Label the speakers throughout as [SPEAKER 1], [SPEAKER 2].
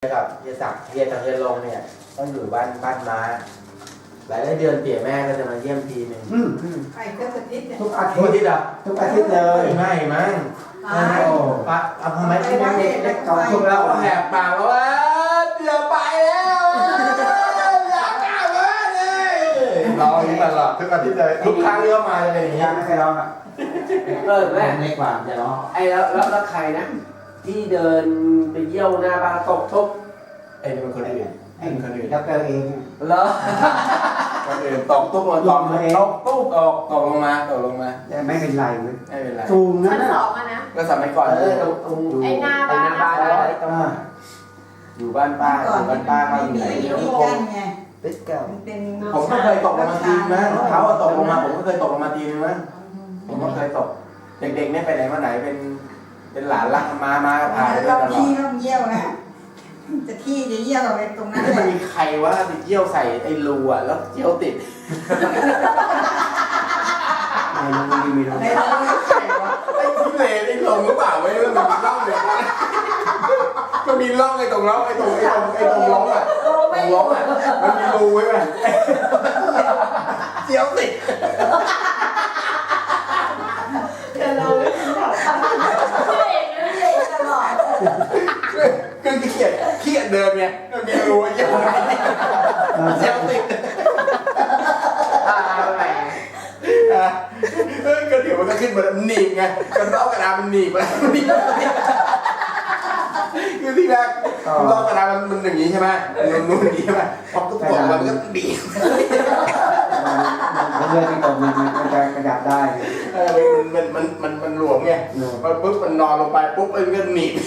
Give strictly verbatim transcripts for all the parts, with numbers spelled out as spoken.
[SPEAKER 1] กับเฮียศักดิ์เฮียกับเฮียลงเนี่ยต้องอยู่บ้านบ้านม้าหลายเดือนเตี่ยแม่ก็จะมาเยี่ยมทีหนึ่ง
[SPEAKER 2] อืมอืม
[SPEAKER 3] ไปก็สักนิดเนี่ย
[SPEAKER 2] ทุกอา
[SPEAKER 1] ทุ
[SPEAKER 2] ทิ
[SPEAKER 1] ก
[SPEAKER 2] ตย์
[SPEAKER 1] ที่ดับ
[SPEAKER 2] ทุกอาทิตย์เลย
[SPEAKER 1] ไม่มั้ง
[SPEAKER 3] ตาย
[SPEAKER 1] โอ้ปะเอาทำไมที่แม่เด็กเล็กเก่า
[SPEAKER 2] ทุ
[SPEAKER 1] ทุ
[SPEAKER 2] ก
[SPEAKER 1] ก
[SPEAKER 2] แล้
[SPEAKER 1] แล้ว
[SPEAKER 2] ว
[SPEAKER 1] แหกปากแล้วว่าเดี๋ยวไปแล้วอยากกลับบ้านเลยร้องอย่างนี้ตลอด
[SPEAKER 2] ทุกอาทิตย์เลย
[SPEAKER 1] ทุกครั้งที่เขามาจะเป็นอย่างนี้
[SPEAKER 2] ยังไม่เคยร้องอ่ะ
[SPEAKER 4] เออแม่
[SPEAKER 2] ในความจะร้อง
[SPEAKER 4] ไอ้แล้วแล้วแล้วใครนะ ที่เดินไปเยี่ยวหน้าบ้านตกทุบ
[SPEAKER 1] ไอ้นี่มันคนอื่น
[SPEAKER 2] ไอ้
[SPEAKER 1] เป็นคนอื่น
[SPEAKER 2] ด็อกเตอร์เอง
[SPEAKER 4] เหรอ
[SPEAKER 1] คนอื่นตกตุ๊บลงตกตกตุ๊บตกตกลงมาตกลงมา
[SPEAKER 2] แต่ไม่เป็นไรเว้ย
[SPEAKER 1] ไม่เป็นไร
[SPEAKER 2] สูงนะ
[SPEAKER 5] ชั้น
[SPEAKER 2] น่ะ
[SPEAKER 5] สองอะนะ
[SPEAKER 1] ก็สมัยก่อน
[SPEAKER 4] เออตรงตรง
[SPEAKER 5] ไอ้หน้าบ้าน
[SPEAKER 4] ไอ้หน้าบ้านอะไรตรง
[SPEAKER 2] อ่า
[SPEAKER 1] อยู่บ้านป้าอ
[SPEAKER 3] ก่อน
[SPEAKER 1] ยู่บ้านป้าเขาอยู่ไหน
[SPEAKER 3] ไม่มี
[SPEAKER 1] เดี๋ยว
[SPEAKER 3] ที่
[SPEAKER 1] ค
[SPEAKER 3] กั้
[SPEAKER 1] ง
[SPEAKER 3] นไง
[SPEAKER 2] ติดเก่า
[SPEAKER 3] มันเป็น
[SPEAKER 1] ผมก็เคยตกลงมาทีนะเขาอะตกลงมาผมก็เคยตกลงมาทีนึงนะผมก็เคยตก เด็กๆเนี่ยไปไหนมาไหนเป็นเป็นหลานรักมามาพาไปด้วย
[SPEAKER 3] เรา
[SPEAKER 1] ตลอ
[SPEAKER 3] ขี้
[SPEAKER 1] ด
[SPEAKER 3] เราเยี่ยวนะจะขี้จะเยี่ยวไปตรงนั้น
[SPEAKER 1] ไม่
[SPEAKER 3] เล
[SPEAKER 1] มัน
[SPEAKER 3] ย
[SPEAKER 1] มีใครว่าไปเยี่ยวใส่ไอ้รูอะแล้วเยี่ยวติด
[SPEAKER 2] ไม่รู้ไม่มีรู้
[SPEAKER 3] ในเรา
[SPEAKER 1] ใครวะไอ้ที่เลนไอ้ลงหรือเปล่าไม่รู้มันมีร่องเลยมันมีร่องไอ้ตรงร่องไอ้ตรงไอ้ตรงไอ้ตรงร่องอะตรงร่องอะมันมีรูไว้ไหมเยี่ยวติด
[SPEAKER 3] เราไม่กินข้าว
[SPEAKER 5] ช่วยเองนะ
[SPEAKER 3] เยี่ยวตลอด
[SPEAKER 1] คือขี้เกียจขี้เกียจเดินไงมันมีรูไอ้เยี่ยวเยี่ยวติด
[SPEAKER 4] อ่าแหม
[SPEAKER 1] อ่ะเออก็เดี๋ยวมันก็ขึ้นมาแล้วหนีบไงกระรอกกระดาษมันหนีบไปแล้วหนีบคือที่แรกกระรอกกระดาษมันมันอย่างนี้ใช่ไหมมันนู่นอย่างนี้ใช่ไหมพอทุกคนมันก็ดีบ
[SPEAKER 2] มันเลื่อนที่ตกมันมันจะกระดับได้
[SPEAKER 1] เออมันมันมันมันหลวมไงพอปุ๊บมันนอนลงไปปุ๊บมันก็หนีบ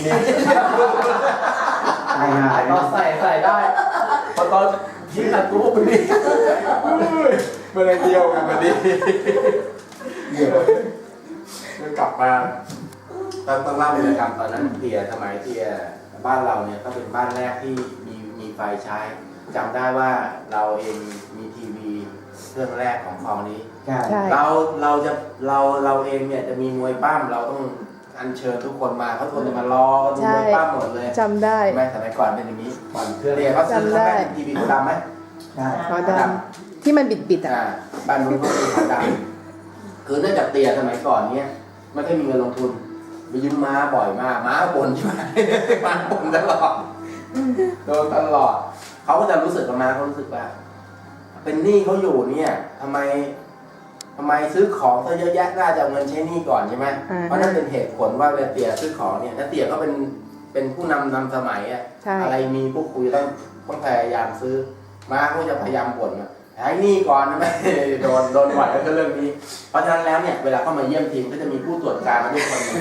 [SPEAKER 2] ตายหาย
[SPEAKER 4] ตอนใส่ใส่ได้พอตอนทิ้งอัดกูไปดิ
[SPEAKER 1] มันเลยเดียวกันมาดีเดี๋ยวกลับมาต้องต้องเล่าเลยนะครับตอนนั้นเตียสมัยเตียบ้านเราเนี่ยก็เป็นบ้านแรกที่มีมีไฟใช้จำได้ว่าเราเองมีทีวีเครื่องแรกของคลองนี้
[SPEAKER 2] ใช่
[SPEAKER 6] ใช่
[SPEAKER 1] เราเราจะเราเราเองเนี่ยจะมีมวยปั้มเราต้องอัญเชิญทุกคนมาเขาทุกคนจะมารอดูมวยปั้มหมดเลย
[SPEAKER 6] จำได้
[SPEAKER 1] ใช่ไหมสมัยก่อนเป็นอย่างนี้ก่อนเครื่องเรียนเขาซื้อ
[SPEAKER 6] จำได้
[SPEAKER 1] เขาเป็นทีวีขาวดำไหม
[SPEAKER 2] ใช่
[SPEAKER 6] ขาวดำที่มันบิดบิดๆอ่ะ
[SPEAKER 1] อ่าบ้านนู้นเขาเป็นขาวดำคือเนื่องจากเตียสมัยก่อนเนี่ยไม่ได้มีเงินลงทุนไปยืมม้าบ่อยมากม้าบ่นใช่ไหม ม้าบ่นตลอดโดนตลอดเขาก็จะรู้สึกกับม้าเขารู้สึกว่า เป็นหนี้เขาอยู่เนี่ยทำไมทำไมซื้อของซะเยอะแยะน่าจะเอาเงินใช้หนี้ก่อนใช่ไหม
[SPEAKER 6] อ่า
[SPEAKER 1] เพราะนั่นเป็นเหตุผลว่าเวลาเตี่ยซื้อของเนี่ยถ้าเตี่ยก็เป็นเป็นผู้นำนำสมัยอะ
[SPEAKER 6] ใช่
[SPEAKER 1] อะไรมีพวกคุยต้องต้องพยายามซื้อมาก็จะพยายามบ่นว่าใช้หนี้ก่อนนะไม่ โดนโดนบ่อยแล้วก็เรื่องนี้ เพราะฉะนั้นแล้วเนี่ยเวลาเข้ามาเยี่ยมทีมก็จะมีผู้ตรวจการมาด้วยคนหนึ่ง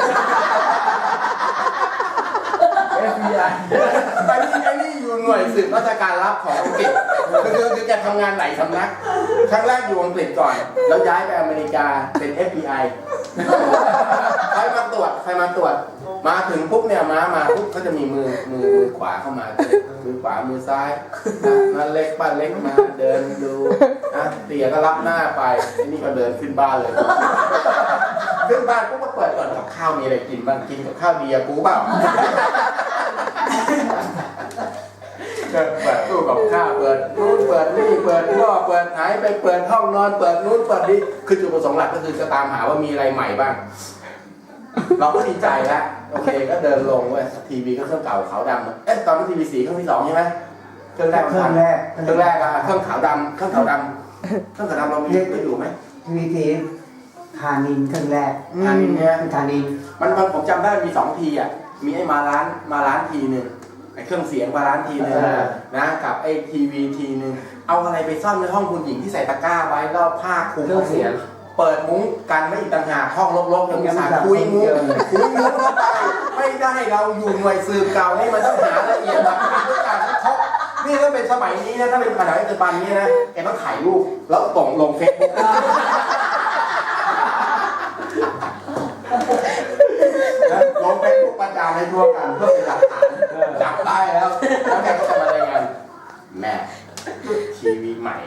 [SPEAKER 4] เอฟบีไอ
[SPEAKER 1] ไอ้นี่ไอ้นี่อยู่หน่วยสืบราชการลับของอังกฤษคือคือคือแกทำงานหลายสำนัก ครั้งแรกอยู่อังกฤษก่อน แล้วย้ายไปอเมริกาเป็น เอฟ บี ไอ ใครมาตรวจใครมาตรวจ มาถึงปุ๊บเนี่ยมามาปุ๊บเขาจะมีมือมือมือขวาเข้ามามือขวามือซ้ายนั่นเล็กป้าเล็กมาเดินดูนะเตี๋ยก็รับหน้าไปไอ้นี่ก็เดินขึ้นบ้านเลย ขึ้นบ้านปุ๊บก็เปิดก่อนกับข้าวมีอะไรกินบ้างกินกับข้าวดีอะกูเปล่า เปิดตู้กับข้าวเปิดนู้นเปิดนี่เปิดหม้อเปิดไหนไปเปิดห้องนอนเปิดนู้นเปิดนี่คือจุดประสงค์หลักก็คือจะตามหาว่ามีอะไรใหม่บ้าง เราก็ดีใจแล้วโอเคก็เดินลงเว้ยทีวีก็เครื่องเก่าขาวดำเอ๊ะตอนนั้นทีวีสีเครื่องที่สองใช่ไหมเครื่องแรก
[SPEAKER 2] เครื่องแรก
[SPEAKER 1] เครื่องแรกอะเครื่องขาวดำเครื่องขาวดำเครื่องขาวดำเรามีได้อยู่ไหม
[SPEAKER 2] ทีวีทีทานินเครื่องแรก
[SPEAKER 1] อันนี้เนี่ย
[SPEAKER 2] ทานิน
[SPEAKER 1] มันมันผมจำได้มีสองทีอ่ะมีไอ้มาล้านมาล้านทีหนึ่งไอ้เครื่องเสียงมาล้านทีหนึ่งนะกับไอ้ทีวีทีหนึ่งเอาอะไรไปซ่อนในห้องคุณหญิงที่ใส่ตะกร้าไว้แล้วผ้าคลุม
[SPEAKER 4] เครื่องเสียง
[SPEAKER 1] เปิดมุ้งกันไม่อีกต่างหากห้องรกๆยังมีสารคุยมุ้งคุยมุ้งเข้าไปไม่ได้เราอยู่หน่วยสืบเก่านี่มันต้องหาละเอียดแบบทุกอย่างให้ครบนี่ถ้าเป็นสมัยนี้นะถ้าเป็นขนาดปัจจุบันนี้นะแกต้องถ่ายรูปแล้วส่งลงเฟซบุ๊กลงเฟซบุ๊กประจานให้ทั่วกันเพื่อเป็นหลักฐานจับได้แล้วแล้วแกก็จะมารายงานแม่ทีวีใหม่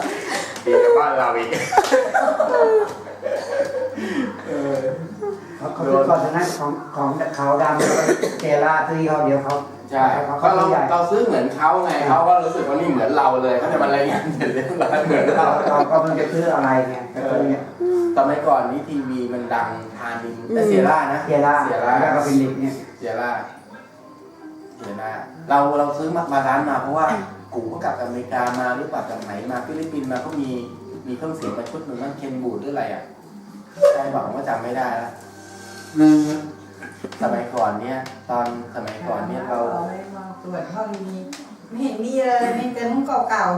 [SPEAKER 1] ดีกับบ้านเราอีก
[SPEAKER 2] เขาเขาซื้อก่อนฉะนั้นของของเขาดำเจล่าซื้อเขาเดียวเขา
[SPEAKER 1] ใช่เพราะเราเราซื้อเหมือนเขาไงเขาก็รู้สึกว่านี่เหมือนเราเลยเขาจะมารายงานเสร็จเรียบร้อยเหมือน
[SPEAKER 2] เรา
[SPEAKER 1] เรา
[SPEAKER 2] เราก็มันจะซื้ออะไรไงก็ซื้อเนี่ย
[SPEAKER 1] สมัยก่อนนี้ทีวีมันดังทานินแต่เซียร่านะ
[SPEAKER 2] เจล่า
[SPEAKER 1] เซียร่า
[SPEAKER 2] แล้วก็เป็นเด็กเนี่ย
[SPEAKER 1] เซียร่าเซียร่าเราเราซื้อมามาร้านมาเพราะว่ากูก็กลับอเมริกามาหรือเปล่าจากไหนมาฟิลิปปินส์มาก็มีมีเครื่องเสียงมาชุดหนึ่งนั่นเคนบูดหรืออะไรอ่ะใช่บอกว่าจำไม่ได้แล้วสมัยก่อนเนี่ยตอนสมัยก่อนเนี่ยเรา
[SPEAKER 3] ไม่มองตรวจห้องนี้ไม่เห็นมีเลยมีแต่มุ้งเก่า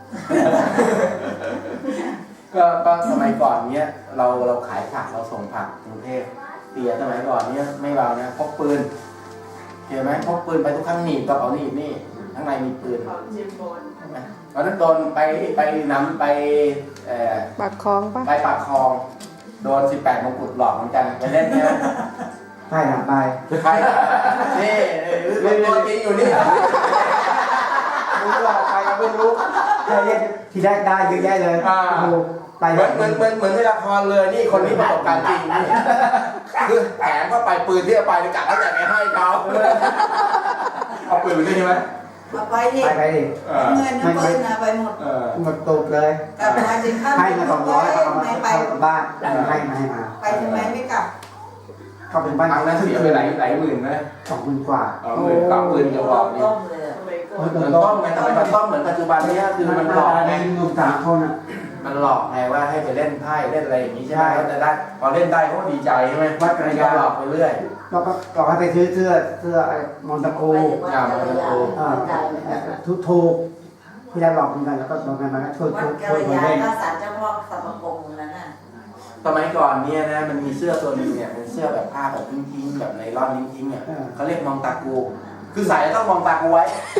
[SPEAKER 1] ก็ก็สมัยก่อนเนี้ยเราเราขายผักเราส่งผักกรุงเทพเตียสมัยก่อนเนี้ยไม่เบานะพกปืนเห็นไหมพกปืนไปทุกครั้งหนีบกระเป๋าหนีบนี่ข้างในมีปืน
[SPEAKER 5] ของจิมบน
[SPEAKER 1] ใช่ไหมตอนนั้นโดนไปไปน้ำไปเอ่อ
[SPEAKER 6] ปากคลองปะ
[SPEAKER 1] ไปปากคลองโดนสิบแปดมงกุฎหลอกเหมือนกันไปเล่นใช่ไหม
[SPEAKER 2] ใช่หลังไป
[SPEAKER 1] ใครนี่เป็นตัวจริงอยู่นี่
[SPEAKER 2] รู้ว่าใครก็ไม่รู้ใครเรียกที่ได้ได้เยอะแยะเลยโอ้โหไป
[SPEAKER 1] เหมือนเหมือนเหมือนเหมือนในละครเลยนี่คนนี้ประสบการณ์จริงนี่คือแถมก็ไปปืนที่เอาไปกะว่าจะไม่ให้เขาเอาปืนไปด้วยใช่ไหม
[SPEAKER 3] ๆเอาไปดิ
[SPEAKER 2] ไปไปดิ
[SPEAKER 1] เออ
[SPEAKER 3] เงินน้ำปืนนะไปหมด
[SPEAKER 1] เออ
[SPEAKER 2] หมดตูดเลย
[SPEAKER 3] กลับมาถึงข้าม
[SPEAKER 2] ให้มาสองร้อยเอามา
[SPEAKER 3] ไม่ไป
[SPEAKER 2] เข้าบ้านให้มาให้มา
[SPEAKER 3] ไปทำไมไม่กลับ
[SPEAKER 2] เขาเป็นบ้าน
[SPEAKER 1] ครั้งนั้นเสียไปหลายหลายหมื่นไหม
[SPEAKER 2] สองหมื่นกว่า
[SPEAKER 1] สองหมื่นกว่าปืนกระบอกนี่
[SPEAKER 5] ต้มเลยสมัยก่อน
[SPEAKER 1] เหมือนต้มไงทำไมมันต้มเหมือนปัจจุบันเนี้ยคือมันหลอกไง
[SPEAKER 2] หนุ่มสามคนอ่ะ
[SPEAKER 1] มันหลอกไงว่าให้ไปเล่นไพ่เล่นอะไรอย่างนี้ใช่ไหมเขาจะได้พอเล่นได้เขาก็ดีใจใช่ไหม
[SPEAKER 2] วัดกระยา
[SPEAKER 1] หลอกไปเรื่อย
[SPEAKER 2] เราก็เราให้ไปซื้อเสื้อเสื้อไอ้มอนตาโก
[SPEAKER 1] อ่ามันจะโก
[SPEAKER 2] อ่าทุกถูกที่ได้หลอกเหมือนกันแล้วก็ลงกันมาก็ช่วย
[SPEAKER 7] วั
[SPEAKER 2] ช่ว
[SPEAKER 7] ด
[SPEAKER 2] ย
[SPEAKER 7] กั
[SPEAKER 2] ช่วย
[SPEAKER 7] ล
[SPEAKER 2] คน
[SPEAKER 7] ยา
[SPEAKER 2] เล่น
[SPEAKER 7] ก็สารเจ้าพ่อสัมปงนั้นน่ะ
[SPEAKER 1] สมัยก่อนเนี่ยนะมันมีเสื้อตัวหนึงเนี่ยเป็นเสื้อแบบผ้าแบบทิ้งๆแบบไนล่อนทิ้งๆเนี่ยเขาเรียกมองตากูคือใส่แล้วต้องมองตากูไว้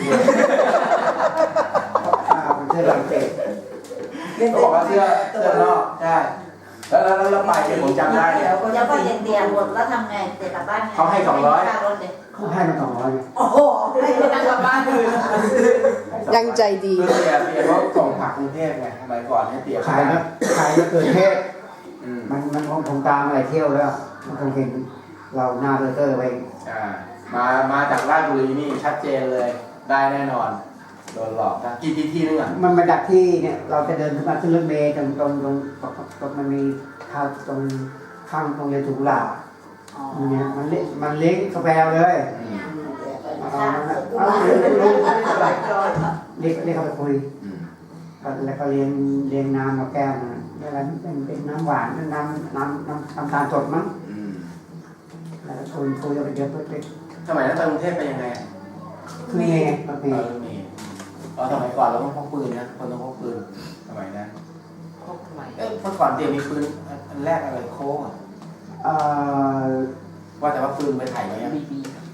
[SPEAKER 2] อ่าเป็นเสื้อลายเตะ
[SPEAKER 1] เขาบอกว่าเสื้อเสื้อนอกใช่แล้วแล้วแล้วไปเนี่ยผมจำได้เนี่ย
[SPEAKER 7] แล้วก็เด็กเดียวหมดแล้วทำไงเด็กกลับบ้านไง
[SPEAKER 1] เขาให้สองร้อย
[SPEAKER 7] ค่ารถเด็ก
[SPEAKER 2] เขาให้มาสองร้อย
[SPEAKER 7] โอ้โหให้ไปนั่งกลับบ้านเลย
[SPEAKER 6] ยังใจดี
[SPEAKER 1] คือเสียเสียเพราะส่งผักกรุงเทพไงสมัยก่อนเนี่ยเสีย
[SPEAKER 2] ขายนะขายมะเขือเทศ
[SPEAKER 1] อืม
[SPEAKER 2] มันมันคงคงตามอะไรเที่ยวแล้วมันคงเห็นเราหน้าเบอร์เกอร์ไป
[SPEAKER 1] อ่ามามาจากราชบุรีนี่ชัดเจนเลยได้แน่นอนโดนหลอกนะกี่ทีทีนึงอ่ะ
[SPEAKER 2] มันมาดักที่เนี่ยเราจะเดินขึ้นมาขึ้นรถเมล์ตรงตรงตรงตรงมันมีทางตรงข้างตรงเรียนถูกหลาบเนี่ยมันเลี้ยมันเลี้ยงกาแฟเลย
[SPEAKER 1] อืม
[SPEAKER 2] เอาเอาเอาเรียกเรียกเขาไปคุย
[SPEAKER 1] อืม
[SPEAKER 2] แล้วก็เรียนเรียนน้ำกับแก้วนะแล้วเป็นเป็นน้ำหวานน้ำน้ำน้ำน้ำตาลสดมั้ง
[SPEAKER 1] อืม
[SPEAKER 2] แล้วคุยคุยกันไปเยอะไป
[SPEAKER 1] สมัยนั้นไปกรุงเทพเป็นยังไงอะ
[SPEAKER 2] คือไงบาง
[SPEAKER 1] เอ
[SPEAKER 2] ที
[SPEAKER 1] อมีอ๋อสมัยก่อนเราต้องพกปืนนะคนต้องพกปืนสมัยนั้น
[SPEAKER 5] พกทำไม
[SPEAKER 1] เอ้ยเมื่อก่อนเตรียมมีปืนอันแรกอะไรโค้งอะ
[SPEAKER 2] เอ่อ
[SPEAKER 1] ว่าแต่ว่าปืนไปถ่ายไหมอะ
[SPEAKER 5] บีบี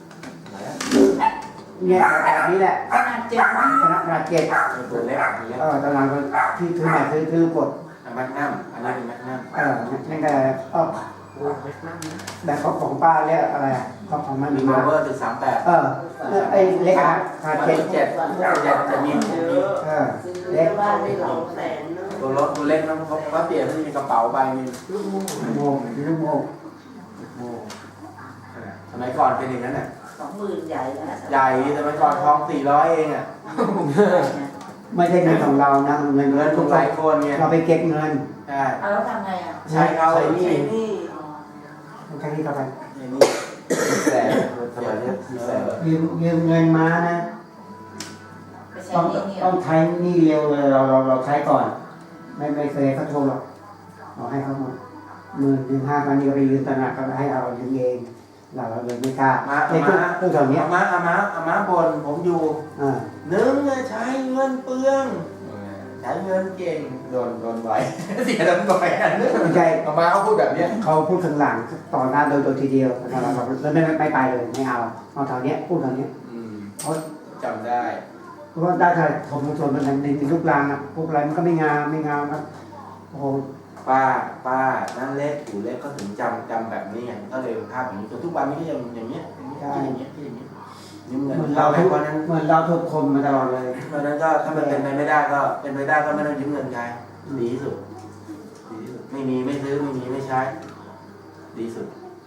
[SPEAKER 2] เนี่ยแบบนี้แหละ
[SPEAKER 3] ขนาดเจ็บมาก
[SPEAKER 2] คณะราเกต
[SPEAKER 1] ปืนเล็กปืนเล็ก
[SPEAKER 2] เออตอนหลังก็ที่ซื้อใหม่ซื้อซื้อกด
[SPEAKER 1] อ่ะแมกนัมอันนี้เป็นแมกนัม
[SPEAKER 2] เออนั่นก็เออ
[SPEAKER 5] โอ้ไม่นั่งนะ
[SPEAKER 2] แบบของของป้าเรียกอะไรอ่ะของของมัน
[SPEAKER 1] มี
[SPEAKER 2] มี
[SPEAKER 1] โร
[SPEAKER 2] มา
[SPEAKER 1] เวอร์ถึงสามแปด
[SPEAKER 2] เออไอ้เล็กนะคา
[SPEAKER 1] มัน
[SPEAKER 2] เจ็ด
[SPEAKER 1] เจ็ดเจ็ดจะมี
[SPEAKER 5] เยอะ
[SPEAKER 2] เออ
[SPEAKER 7] ซื้อ
[SPEAKER 2] เล็ก
[SPEAKER 7] บ้านได้หลายแสนเนอะ
[SPEAKER 1] ตัวรถตัวเล็กนะเพราะว่าเปลี่ยนที่มีกระเป๋าใบมี
[SPEAKER 2] ลูกโมงลูกโมง
[SPEAKER 1] โอ้สมัยก่อนเป็นอย่างนั้นน่ะ
[SPEAKER 7] สองหมื่นใหญ่นะ
[SPEAKER 1] ใหญ่สมัยก่อนทองสี่ร้อยเองอ่ะ
[SPEAKER 2] ไม่ใช่เงินของเรานะเงิน
[SPEAKER 1] เงิ
[SPEAKER 2] เงิ
[SPEAKER 1] น
[SPEAKER 2] น
[SPEAKER 1] ทุ
[SPEAKER 2] ทุ
[SPEAKER 1] ก
[SPEAKER 2] ก
[SPEAKER 1] ห
[SPEAKER 2] ค
[SPEAKER 1] ลาน ยคนไง
[SPEAKER 2] เราไปเก็บเงิน
[SPEAKER 1] ใช่
[SPEAKER 7] เอาแล้วทำไงอ่ะ
[SPEAKER 1] ใช้เขา
[SPEAKER 2] ใช้ห
[SPEAKER 1] ใช้
[SPEAKER 2] นี่
[SPEAKER 1] นี่
[SPEAKER 7] อ๋อ
[SPEAKER 2] ใช้นี่เข้าไป
[SPEAKER 1] ใช้นี่แสนสมัยนี้แสน
[SPEAKER 2] ยืมยืมเงินมานะ
[SPEAKER 7] ไปใช้
[SPEAKER 2] ต้อง
[SPEAKER 7] หนี่เนี่ย
[SPEAKER 2] ต้องใช้หนี่เร็วเลยเราเราเราใช้ก่อน ไม่ไม่เคยเขาโทรหรอกเราให้เขาหมดหมื่นหนึ่งห้าพันนี่ก็ไปยืมตลาดก็ให้เรายืมเองเราเราเลยไม่กล้า
[SPEAKER 1] มา
[SPEAKER 2] ไอ้
[SPEAKER 1] อา
[SPEAKER 2] พวก
[SPEAKER 1] มา
[SPEAKER 2] พวกแถวเนี้ย
[SPEAKER 1] อามาอามาอามาบนผมอยู่
[SPEAKER 2] อ่า
[SPEAKER 1] หนึ่งเนี่ยใช้เงินเปลืองใช้เงินเก่งโดนโดนไว้ เสียโดนบ่อยอันนึง
[SPEAKER 2] ไม่ใช่
[SPEAKER 1] อามาเขาพูดแบบเนี้ย
[SPEAKER 2] เขาพูดข้างหลังต่อหน้าโดยโดยทีเดียวเราเราเราไม่ไม่ไม่ไปเลยไม่เอาเอาแถวเนี้ยพูดแถวเนี้ย
[SPEAKER 1] อืม
[SPEAKER 2] เพราะ
[SPEAKER 1] จำได้
[SPEAKER 2] เพราะว่าได้แต่ผมส่วนมันในในลูกรางอ่ะพวกอะไรมันก็ไม่งามไม่งามครับโอ้โห
[SPEAKER 1] ป้าป้านั่นเล็กอยู่เล็กก็ถึงจำจำแบบนี้ไงก็เลยภาพอย่างนี้จนทุกวันนี้ก็ยังอย่างเงี้ยอย่างเงี้ยอย่างเงี้ยอย่างเงี้ยยืมเงิน
[SPEAKER 2] เหมือน
[SPEAKER 1] เรา
[SPEAKER 2] เรา
[SPEAKER 1] ให้
[SPEAKER 2] ทุก
[SPEAKER 1] วันนั้น
[SPEAKER 2] เหมือนเราทุกคนมาตลอดเลย
[SPEAKER 1] เพราะฉะนั้นก็ถ้ามันเป็นไปไม่ได้ก็เป็นไปได้ก็ไม่ต้องยืมเงินใครดีที่สุดดีที่สุดไม่มีไม่ซื้อไม่มีไม่ใช้ ดีที่สุด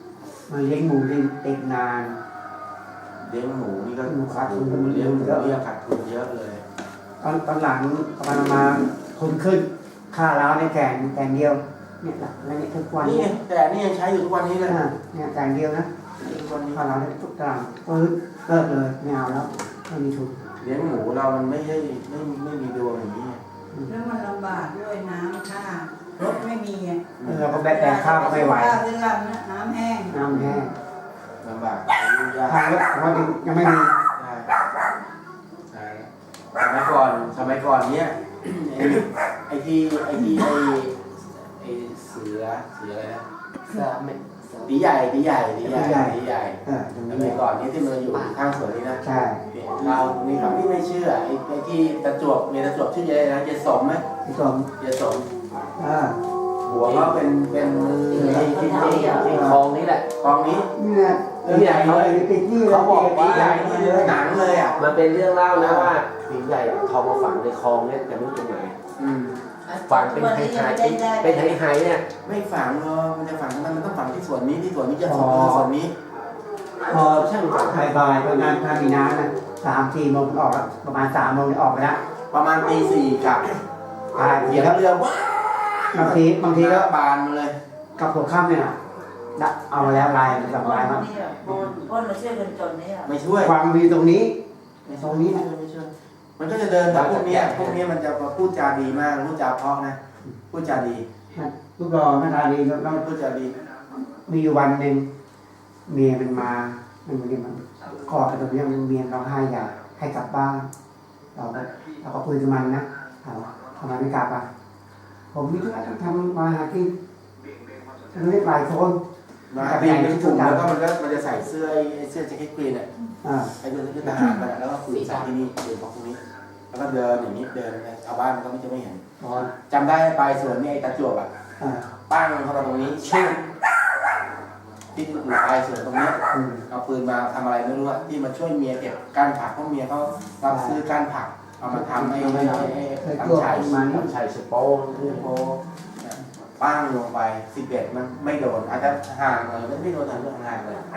[SPEAKER 2] มาเลี้ยงหมูได้ติดนาน
[SPEAKER 1] เลี้ยงหมูนี่ก็
[SPEAKER 2] หมูขาดทุน
[SPEAKER 1] เลี้ยงหมูเนี่ยขาดทุนเยอะเลย
[SPEAKER 2] ตอนตอนหลังประมาณมาทุนขึ้นค่าร้าวในแกงแกงเดียวเนี่ยละแล้วเนี่ยทุกวัน
[SPEAKER 1] นี่
[SPEAKER 2] เนี่ย
[SPEAKER 1] แต่นี่ยังใช้อยู่ทุกวันนี้เลย
[SPEAKER 2] อ่าเนี่ยแกงเดียวนะ
[SPEAKER 1] ทุกวันนี้
[SPEAKER 2] ค่าร้าวเนี่ยทุกตารางปื๊ดเลิกเลยไม่เอาแล้วไม่มีทุน
[SPEAKER 1] เลี้ยงหมูเรามันไม่ใช่ไม่ไม่มีดวงอย่างนี้
[SPEAKER 3] แล้วมันลำบากด้วยน้ำค่ารถไม่มีอ่ะ
[SPEAKER 2] เราก็แบกแต่ข้าวก็ไม่ไหว
[SPEAKER 3] ข้าวเรื่องน้ำแห้ง
[SPEAKER 2] น้ำแห้ง
[SPEAKER 1] ลำบากยุ่งยาก
[SPEAKER 2] ทางรถเพราะยังไม่มี
[SPEAKER 1] ใช่ใช่สมัยก่อนสมัยก่อนเนี้ย ไอ้ไอ้ที่ไอ้ที่ไอ้ไอ้เสือเสืออะไรนะ
[SPEAKER 5] เสือเม็ด
[SPEAKER 1] ตีใหญ่ตีใหญ่ตีใหญ่ตีใหญ่
[SPEAKER 2] เออตรง
[SPEAKER 1] ส
[SPEAKER 2] นี้
[SPEAKER 1] มัยก่อนนี้ที่มันอยู่ข้างสวนนี่นะ
[SPEAKER 2] ใช่
[SPEAKER 1] เรานี่ครับที่ไม่เชื่อไอ้ไอ้ที่ตะจวบเมียตะจวบชื่ออะไรนะเยสมไหม
[SPEAKER 2] พี่สม
[SPEAKER 1] เยสม
[SPEAKER 2] อ่า
[SPEAKER 1] หัวเขาเป็นเป็นมือ
[SPEAKER 4] ที่ที่ที่ที่คลองนี้แหละ
[SPEAKER 1] กองนี้
[SPEAKER 2] เนี่ยเรื่องใหญ่เลยติดนี่เลย
[SPEAKER 4] เขาบอกว่า
[SPEAKER 1] ตีใหญ่นี่เลยหนังเลยอ่ะ
[SPEAKER 4] มันเป็นเรื่องเล่านะว่าผีใหญ่เอาทองมาฝังในคลองเนี่ยแต่ไม่รู้ตรงไหน
[SPEAKER 1] อืม
[SPEAKER 4] ฝังเป็นไฮไฮเป็นไฮไฮเนี่ย
[SPEAKER 1] ไม่ฝังหรอกมันจะฝังทำไมมันต้องฝังที่ส่วนนี้ที่ส่วนนี้จะฝังที่ส่วนนี้
[SPEAKER 2] พอช่างถ่ายบายตอนนั้นถ้ามีน้ำนะสามสี่โมงออกแล้วประมาณสามโมงออกไปแล้ว
[SPEAKER 1] ประมาณตีสี่กลับ
[SPEAKER 2] ถ่าย
[SPEAKER 1] เห
[SPEAKER 2] เสี
[SPEAKER 1] ยี
[SPEAKER 2] ย
[SPEAKER 1] ย
[SPEAKER 2] แล้ว
[SPEAKER 1] บเรือว้า
[SPEAKER 2] บางทีบางทีก็
[SPEAKER 1] บานมาเลย
[SPEAKER 2] กับหัวค่ำเนี่ยนะเอามาแล้วลายมันสอง
[SPEAKER 7] พ่
[SPEAKER 2] ลาย
[SPEAKER 7] น
[SPEAKER 2] มั้ง
[SPEAKER 7] นี่พ่นพ่นมาช่วยคนจนนี่
[SPEAKER 1] ไม่ช่วย
[SPEAKER 2] ความมีตรงนี้
[SPEAKER 1] ไม่ช่วยไม่ช่วยไม่ช่วยมันก็จะเดินแบบพวกเนี้ยพวกเนี้ยมันจะพูดจาดีมากพูดจาเพราะนะพูดจาดี
[SPEAKER 2] ลูกรอหน้าตาดีแล้ว
[SPEAKER 1] พูดจาดี
[SPEAKER 2] มีอยู่วันหนึ่งเมียมันมามันมันมันกอดกันตรงนี้มันเมียร้องไห้อยากให้กลับบ้าน เราก็เราก็คุยกับมันนะถามว่าทำไมไม่กลับอ่ะผมมีธุระต้องทำมาหากินเรียกหลายคน
[SPEAKER 1] มาปีนเป็นกลุ่มแล้วก็มันก็มันจะใส่เสื้อไอ้เสื้อแจ็คเก็ตกรีนอ่ะ
[SPEAKER 2] อ่า
[SPEAKER 1] ไอ้เสื้อทหารมันแล้วก็คุยใส่ที่นี่คุยพวกตรงนี้ แล้วก็เดินอย่างนี้เดินไปชาวบ้านก็ไม่จะไม่เห็น
[SPEAKER 2] ตอน
[SPEAKER 1] จำได้ไปสวนนี่ไอ้ตะจวบอ่ะ
[SPEAKER 2] อ่า
[SPEAKER 1] ปั้งเข้ามาตรงนี้ชิ่งที่อยู่ปลายสวนตรงนี้
[SPEAKER 2] อืม
[SPEAKER 1] เอาปืนมาทำอะไรไม่รู้อะที่มาช่วยเมียเก็บก้านผักเพราะเมียเขารับซื้อก้านผักเอามาทำให้ให้ให้ให้ตั้งฉาย
[SPEAKER 4] ทำชัยสปอง
[SPEAKER 1] คือโพปั้งลงไปสิบเอ็ดมันไม่โดนอาจจะห่างเลยไม่โดนทางเรื่องห่างเลย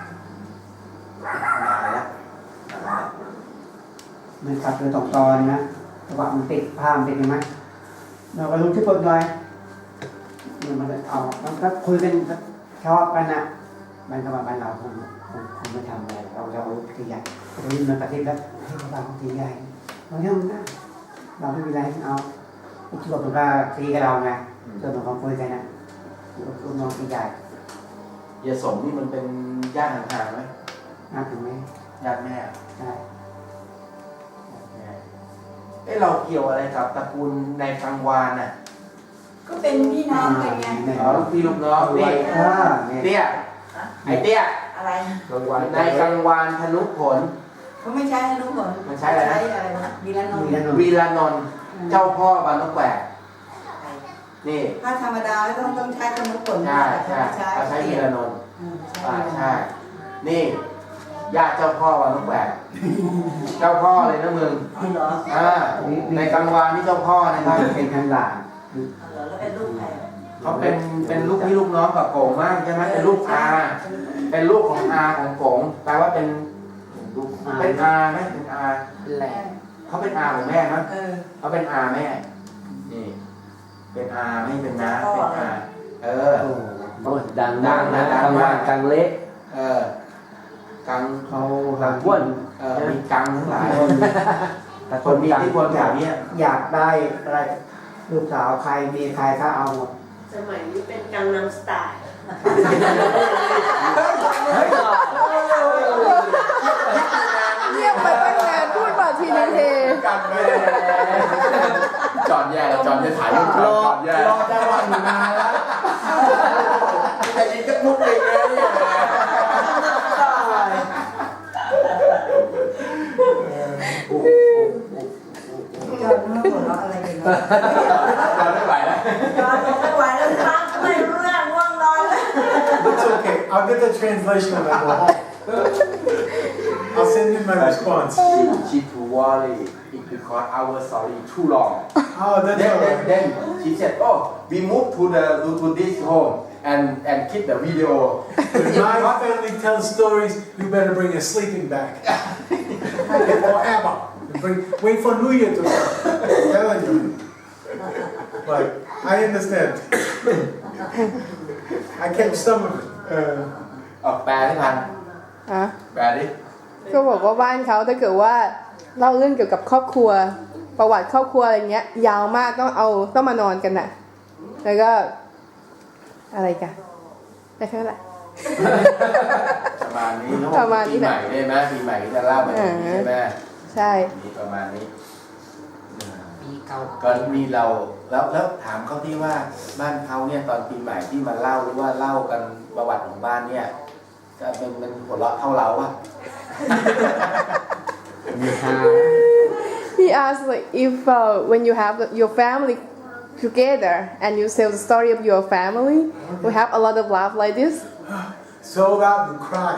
[SPEAKER 1] นานแล้วนานแล้ว
[SPEAKER 2] มันขับเรือตกตอนนะแต่ว่ามันติดผ้ามันติดใช่ไหมเราก็รู้ที่ปนเลยเนี่ยมันเอามันก็คุยกันชอบกันนะมันก็มาบ้านเราคงคงคงไม่ทำอะไรเราเราตีใหญ่เราเมันประเทศแล้วให้เราตีใหญ่เราเรื่องนะเราไม่มีอะไรเอาที่บอกมันก็ตีกับเราไงส่วนของเขาคุยกันนะลูกน้องตีใหญ่
[SPEAKER 1] ยาสมนี่มันเป็นญาติห่างๆไหม
[SPEAKER 2] น่าถึงไหม
[SPEAKER 1] ญาติแม่
[SPEAKER 2] ใช่
[SPEAKER 1] เอ้เราเกี่ยวอะไรกับตระกูลนายกังวานน่ะ
[SPEAKER 3] ก็เป็นพี่น้องกันไง
[SPEAKER 1] อ๋อลูกพี่ลูกน้องนี่
[SPEAKER 2] อ่าเนี่ย
[SPEAKER 1] เตี้ยไอ้เตี้ย
[SPEAKER 7] อะไร
[SPEAKER 4] กลางวัน
[SPEAKER 1] นายกังวานธนุผล
[SPEAKER 3] เขาไม่ใช้ให้รู้ผล
[SPEAKER 1] มันใช้อะไรนะ
[SPEAKER 3] ใช้อะไรนะวีรนน
[SPEAKER 2] มี
[SPEAKER 3] ท์
[SPEAKER 2] แล้วหนุ่ม
[SPEAKER 1] วีรานนท์เจ้าพ่อบานนกแหวกนี่
[SPEAKER 3] ถ้าธรรมดาต้องต้องใช้ขนมผล
[SPEAKER 1] ใช่ใช่เขาใช้วีรานนท์
[SPEAKER 3] อืม
[SPEAKER 1] อ่า
[SPEAKER 3] ใช่
[SPEAKER 1] ใช่นี่ญาติเจ้าพ่อบานนกแหวกเจ้าพ่อเลยนะมึง
[SPEAKER 7] อ๋อเหรอ
[SPEAKER 1] อ่าในกังวานนี่เจ้าพ่อนะครับ
[SPEAKER 2] เป็นทางหลาน
[SPEAKER 7] เหรอแล้วเป็นลูกใคร
[SPEAKER 1] เขาเป็นเป็นลูกพี่ลูกน้องกับโกงมากใช่ไหมเป็นลูกอาเป็นลูกของอาของโกงแปลว่าเป็นลูกเป็นอาไหมเป็นอา
[SPEAKER 5] แหลม
[SPEAKER 1] เขาเป็นอาของแม่มั้ย
[SPEAKER 3] เออ
[SPEAKER 1] เขาเป็นอาแม่นี่เป็นอาไม่เป็นน้าเป็นอาเออ
[SPEAKER 2] โอ้
[SPEAKER 4] โอ้ยดังดังนะกลางวันกลางเละ
[SPEAKER 1] เออกัง
[SPEAKER 2] เขา
[SPEAKER 4] กลางอ้วน
[SPEAKER 1] เออมีกังทั้งหลาย
[SPEAKER 4] แต่
[SPEAKER 1] คนมีอิทธิพลแบบนี้
[SPEAKER 2] อยากได้อะไรลูกสาวใครมีใครก็เอาหมด
[SPEAKER 5] สมัยนี้เป็นกังนำสไตล์
[SPEAKER 6] เงียบไปตั้งนานพูดมาทีนึงเท
[SPEAKER 1] กันไปจอดแย่แล้วจอดจะถ่ายรูปจอดแย่รอจังหวะอยู่นานแล้วแต่ยิงก็มุกเลยเนี่ย
[SPEAKER 3] จอดเมื่อหัวเราะอะไรกันเนาะ
[SPEAKER 1] เราไม่ไหวแล้ว
[SPEAKER 7] จอดไม่ไหวแล้วครับไม่รู้เรื่องง่วงนอนแล้ว
[SPEAKER 8] It's okay. I'll get the translation of that. I'll send in my response.
[SPEAKER 1] ชิทูวอลลี่อีก because our story too long.
[SPEAKER 8] Oh, that's
[SPEAKER 1] Then,
[SPEAKER 8] all
[SPEAKER 1] then,
[SPEAKER 8] right.
[SPEAKER 1] then she said, oh, we moved to the to, to this home and and keep the video.
[SPEAKER 8] When my family tells stories, you better bring a sleeping bag. Forever. Bring, wait for New Year to come. I'm telling you. But I understand. I can't stomach it.
[SPEAKER 1] เออออกแปลให้พัน
[SPEAKER 6] อ่ะ
[SPEAKER 1] แปลดิ
[SPEAKER 6] ก็บอกว่าบ้านเขาถ้าเกิดว่าเล่าเรื่องเกี่ยวกับครอบครัว ประวัติครอบครัวอะไรเงี้ย ยาวมากต้องเอาต้องมานอนกันน่ะ แล้วก็ อะไรกันได้แค่นั้นแหละ
[SPEAKER 1] ประมาณนี้
[SPEAKER 6] ประมาณนี้
[SPEAKER 1] ปี
[SPEAKER 6] แห
[SPEAKER 1] ให
[SPEAKER 6] ละ
[SPEAKER 1] ม่ได้ไหมปีใหม่ก็จะเล่าแบบนี้ใช่ไหม
[SPEAKER 6] ใช่
[SPEAKER 1] มีประมาณนี้
[SPEAKER 5] ปีเก่า
[SPEAKER 1] ก็มีเราแล้วแล้วถามเขาที่ว่าบ้านเขาเนี่ยตอนปีใหม่ที่มาเล่าหรือว่าเล่ากันประวัติของบ้านเนี่ยจะเป็นมันหัวเราะเท่าเราปะ
[SPEAKER 4] มีฮา
[SPEAKER 6] He asked like if uh, when you have your family together and you tell the story of your family, we have a lot of laugh like this.
[SPEAKER 8] So loud you cry.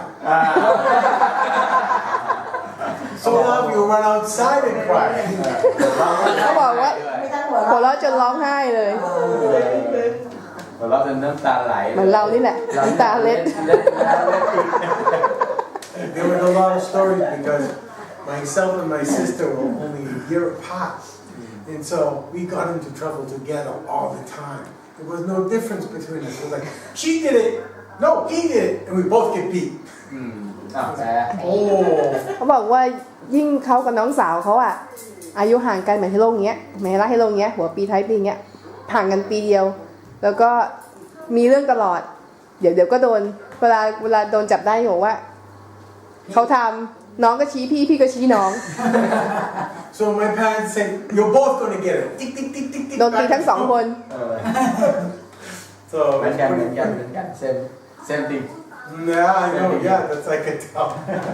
[SPEAKER 8] So loud you run outside and cry.
[SPEAKER 6] เขาบอกว่า
[SPEAKER 7] ไม่ต้องหัว
[SPEAKER 6] หัว
[SPEAKER 7] เราะ
[SPEAKER 6] เราะจนร้องไห้เลย
[SPEAKER 1] หัวเราะจนน้ำตาไหล
[SPEAKER 6] เหมือนเรานี่แหละน้ำตาเล็ด
[SPEAKER 1] เล็ดแล้วเล็ดอีก
[SPEAKER 8] There were a lot of stories because myself and my sister were only a year apart. And so we got into trouble together all the time. There was no difference between us. It was like, she did it, no, he did it, and we both get beat.
[SPEAKER 1] อืมอ้าวแปล
[SPEAKER 8] Oh,
[SPEAKER 6] เขาบอกว่ายิ่งเขากับน้องสาวเขาอะอายุห่างกันเหมือนให้โลกเงี้ยเหมือนให้รักให้โลกเงี้ยหัวปีท้ายปีเงี้ยห่างกันปีเดียว แล้วก็มีเรื่องตลอด เดี๋ยวเดี๋ยวก็โดนเวลาเวลาโดนจับได้บอกว่าเขาทำน้องก็ชี้พี่พี่ก็ชี้น้อง
[SPEAKER 8] so my parents said, you're both gonna get it. Tick, tick, tick, tick, tick.
[SPEAKER 6] โดนตีทั้งสองคน
[SPEAKER 1] เออ
[SPEAKER 8] So
[SPEAKER 1] เหมือนกันเหมือนกันเหมือนกันเซมเซมติง
[SPEAKER 8] Yeah, I know. Yeah, that's I can tell.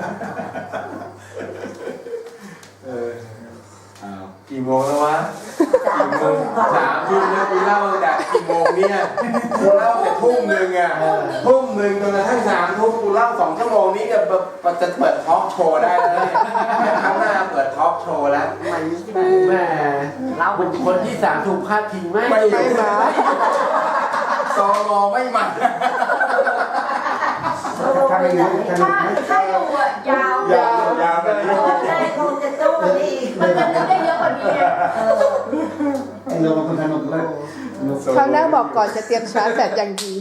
[SPEAKER 1] เอออ้าวกี่โมงแล้ววะกี่โมงสามทุ่มแล้วกูเล่าตั้งแต่กี่โมงเนี่ยกูเล่าแต่ทุ่มหนึ่งอ่ะทุ่มหนึ่งจนกระทั่งสามทุ่มกูเล่าสองชั่วโมงนี้จะแบบจะเปิดทอล์กโชว์ได้แล้วเนี่ยครั้งหน้าเปิดทอล์กโชว์แล้ว
[SPEAKER 5] มันนี่ที่
[SPEAKER 4] แหม่เราเป็นคนที่สามถูกพาดพิงไหม
[SPEAKER 1] ไม่
[SPEAKER 6] ไม่มา
[SPEAKER 1] ซอมอไม่มัน
[SPEAKER 2] ถ้าไม่รู้สนุกไหม
[SPEAKER 7] ถ้าอยู่อะยาวย
[SPEAKER 1] าวยาวแบบนี้
[SPEAKER 7] ได้คงจะตู้ดี
[SPEAKER 3] มันจะนึกได้เยอะกว่านี้ไง
[SPEAKER 2] ไอ้เราเป็นคนสนุกเลยสนุก
[SPEAKER 6] คราวหน้าบอกก่อนจะเตรียมชาร์จแบตอย่างดี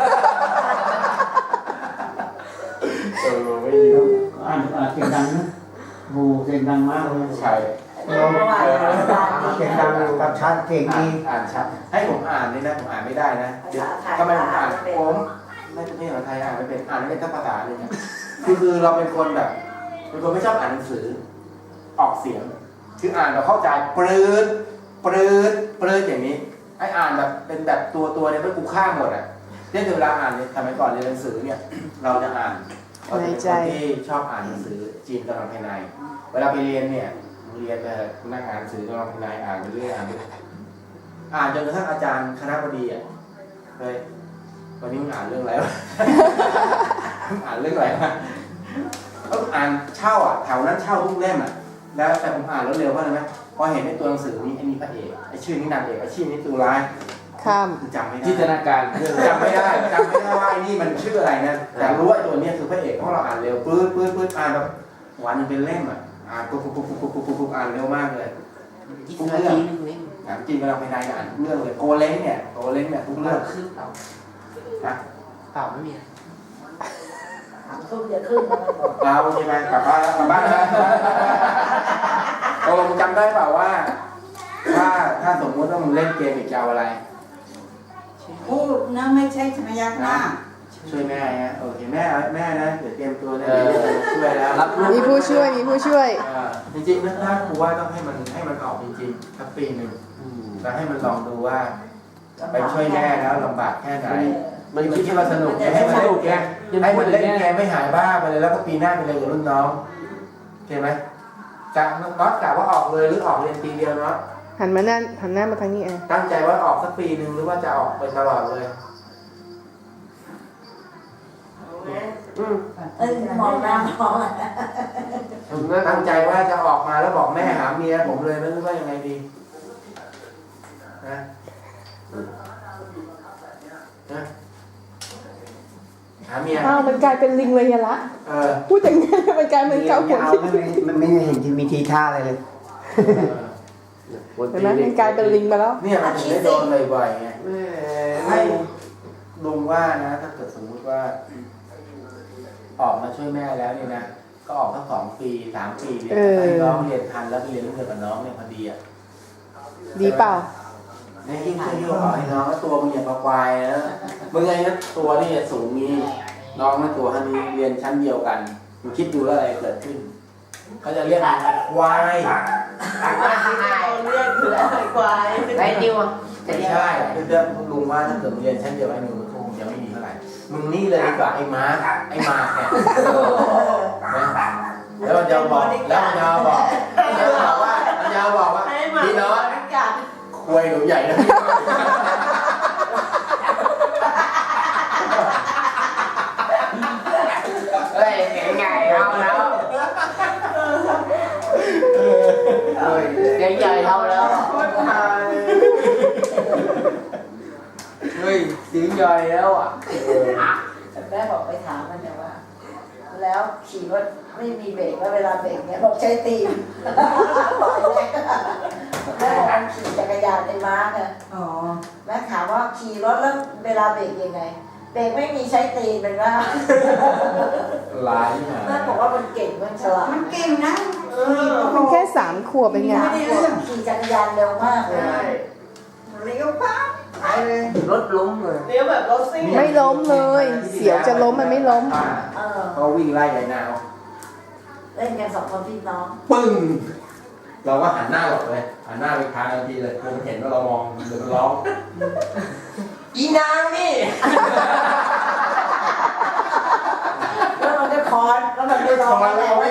[SPEAKER 1] เออไม่อยู่
[SPEAKER 2] อ่านอ่านเสียงดังนะโหเสียงดังมากเลย
[SPEAKER 1] ใช่
[SPEAKER 2] เราเสียงดังกับชัดเสียง
[SPEAKER 1] อ่าน
[SPEAKER 2] ดี
[SPEAKER 1] อ่านชัดให้ผมอ่านนี่นะผมอ่านไม่ได้นะเดี๋ยวทำไมผมอ่านผมไม่เป็นภาษาไทยอ่านไม่เป็นอ่านไม่เป็นทั้งภาษาเลยนะคือคือเราเป็นคนแบบเป็นคนไม่ชอบอ่านหนังสือออกเสียง คืออ่านเราเข้าใจปรื้ดปรื้ดปรื้ดอย่างนี้ไอ้อ่านแบบเป็นแบบตัวตัวเนี่ยเป็นกูข้ามหมดอ่ะเนี่ยเวลาอ่านเนี่ยสมัยก่อนเรียนหนังสือเนี่ยเราจะอ่านเราจะเป็นคนที่ชอบอ่านหนังสือจีนกำลังภายในเวลาไปเรียนเนี่ยเรียนไปนั่งอ่านหนังสือกำลังภายในอ่านไปเรื่อยอ่านไปอ่านจนกระทั่งอาจารย์คณะบดีอ่ะเฮ้ยวันนี้มึงอ่านเรื่องอะไรวะ มึงอ่านเรื่องอะไรวะก็อ่านเช่าอ่ะแถวนั้นเช่าทุกเล่มอ่ะแล้วแต่ผมอ่านแล้วเร็วเพราะอะไรไหมพอเห็นในตัวหนังสือนี้ไอ้นี่พระเอกไอ้ชื่อนี้นางเอกไอ้ชื่อนี้ตัวร้าย
[SPEAKER 6] ข้าม
[SPEAKER 1] คือจำไม่ได้
[SPEAKER 4] จินตนาการเรื่อง
[SPEAKER 1] จำไม่ได้จำไม่ได้ว่าไอ้นี่มันชื่ออะไรนะแต่รู้ว่าตัวเนี้ยคือพระเอกเพราะเราอ่านเร็วปื๊ดปื๊ดปื๊ดอ่านแบบวันยังเป็นเล่มอ่ะอ่านปุ๊บปุ๊บปุ๊บปุ๊บปุ๊บปุ๊บอ่านเร็วมากเลย
[SPEAKER 5] ยี่สิบนาทีนึงเล่ม
[SPEAKER 1] หนังจีนกำลังภายในอ่านทุกเรื่องเลยโกเล้งเนี่ยโกเล้งเนี่ยทุก
[SPEAKER 5] เลิ
[SPEAKER 1] เรื่อง
[SPEAKER 5] กขึ้นเปล่า
[SPEAKER 1] นะ
[SPEAKER 5] เปล่าไม่มี
[SPEAKER 7] ขึ้นจะขึ้นนะ
[SPEAKER 1] เอาใช่ไหมกลับบ้านแล้วกลับบ้านแล้วตกลงจำได้เปล่าว่า ถ้าถ้าสมมติว่ามึงเล่นเกมอีกจะเอาอะไร
[SPEAKER 3] พูดนะไม่ใช่ชมยักหน้า
[SPEAKER 1] ช่วยแม่ฮะโอเคแม่แม่นะเดี๋ยวเตรียมตัวนะเดี๋ยวช่วยแล้ว
[SPEAKER 4] รับลูก
[SPEAKER 6] มีผู้ช่วยมีผู้ช่วย
[SPEAKER 1] อ่าจริงๆนะถ้าครูว่าต้องให้มันให้มันออกจริงๆสักปีหนึ่ง
[SPEAKER 4] อืม
[SPEAKER 1] แล้วให้มันลองดูว่า ไปช่วยแม่แล้วลำบากแค่ไหน
[SPEAKER 4] มัน
[SPEAKER 1] มัน
[SPEAKER 4] คิ
[SPEAKER 1] คิ
[SPEAKER 4] ด
[SPEAKER 1] ดว่าสนุกให้มัน
[SPEAKER 4] ส
[SPEAKER 1] เล่
[SPEAKER 4] นุ
[SPEAKER 1] น
[SPEAKER 4] ก
[SPEAKER 1] เก
[SPEAKER 4] ไง
[SPEAKER 1] มให้มันเล่นเกมไม่หายบ้าไปเลยแล้วก็ปีหน้าไปเรียนกับรุ่นน้องโอเคไหมจะน็อตกะว่าออกเลยหรือออกเรียนปีเดียวเนาะ
[SPEAKER 6] หันมาหน้าหันหน้ามาทางนี้อ่ะ
[SPEAKER 1] ตั้งใจว่าออกสักปีหนึ่งหรือว่าจะออกไปตลอดเลย
[SPEAKER 5] อืม
[SPEAKER 7] เอ้ยมองหน้ามอง
[SPEAKER 1] ใช่
[SPEAKER 4] ถึงนะ
[SPEAKER 1] ตั้งใจว่าจะออกมาแล้วบอกแม่หาเมียผมเลยไม่รู้ว่ายังไงดีนะนะหาเมีย
[SPEAKER 6] อ้าวมันกลายเป็นลิงเลยอะละ
[SPEAKER 1] เออ
[SPEAKER 6] พูดอย่างนี้มันกลายเป็นเกาหัว
[SPEAKER 2] เอา
[SPEAKER 6] คิด
[SPEAKER 2] ไม่ไม่มันไม่เห็นที่มีทีท่าอะไรเลย
[SPEAKER 4] คน
[SPEAKER 6] เห็น
[SPEAKER 4] ตี
[SPEAKER 6] ไหมมันกลายเป็นลิงไปแล้ว
[SPEAKER 1] เนี่ยมันถึงได้โดนบ่อยๆไง
[SPEAKER 4] แม่
[SPEAKER 1] ให้ลุงว่านะถ้าเกิดสมมุติว่า ออกมาช่วยแม่แล้วเนี่ยนะก็ออกทั้งสองปีสามปีเรียนให้น้องเรียนทันแล้วไปเรียนเรื่องเดียวกับน้องเนี่ยพอดีอ่ะ
[SPEAKER 6] ดีเปล่า
[SPEAKER 1] ในยิ่งช่วยที่บอกให้น้องตัวมึงอย่างควายนะมึงไงนะตัวนี่สูงนี้น้องนั่นตัวท่านี้เรียนชั้นเดียวกันมึงคิดดูแล้วอะไรเกิดขึ้นเขาจะเรียกควาย
[SPEAKER 7] เรียกคืออะไรควาย
[SPEAKER 5] ไอ้นิวอ่ะ
[SPEAKER 1] ไม่ใช่คือเรื่องลุงว่าถ้าเกิดมึงเรียนชั้นเดียวไอ้หนูมันคงจะไม่ดีเท่าไหร่มึงนี่เลยดีกว่าไอ้ม้าไอ้มาเนี่ยนะแล้วมันจะบอกแล้วมันจะบอกแล้วมันจะบอกว่ามันจะบอกว่า
[SPEAKER 7] ให้หมา
[SPEAKER 1] พี่น้อง
[SPEAKER 7] กัด
[SPEAKER 1] ควยหนูใหญ่นะ
[SPEAKER 5] เฮ้ยเห็นไงเอาแล้วเฮ้ยใหญ่ๆเอาแล้ว
[SPEAKER 1] เฮ้ยเสียงใหญ่แล้วอ่ะ
[SPEAKER 7] แม่บอกไปถามมันเนี่ยว่า แล้วขี่รถไม่มีเบรกแล้วเวลาเบรกเนี่ยบอกใช้ตีนแม่บอกมันขี่จักรยานในม้าเนี่ย
[SPEAKER 3] อ๋อ
[SPEAKER 7] แม่ถามว่าขี่รถแล้วเวลาเบรกยังไง เบรกไม่มีใช้ตีนเป็นว่า
[SPEAKER 1] ลายมา
[SPEAKER 7] แม่บอกว่ามันเก่งมันฉลาด
[SPEAKER 3] มันเก่งนะ
[SPEAKER 7] เออ
[SPEAKER 6] มันแค่สามขวบเป็นไง
[SPEAKER 7] ไม่ได้เรื่องขี่จักรยานเร็วมากเลย
[SPEAKER 3] เลี้ยวปั๊บไปเลย
[SPEAKER 5] รถล้มเลย
[SPEAKER 7] เลี้ยวแบบรถซิ่ง
[SPEAKER 6] ไม่ล้มเลย เสียวจะล้มมันไม่ล้ม
[SPEAKER 7] เออ
[SPEAKER 1] เขาวิ่งไล่ไอ้นาว
[SPEAKER 7] เล่นกันสองคนพี่น้อง
[SPEAKER 1] ปึ้งเราก็หันหน้าหลบเลยหันหน้าไปทางทันทีเลยคือมันเห็นว่าเรามองเดี๋ยวมันร้องอีนางนี่
[SPEAKER 7] แล้วมันก็คอนแล้วมันไปรอ
[SPEAKER 1] คอนแล้ว
[SPEAKER 7] แล้ว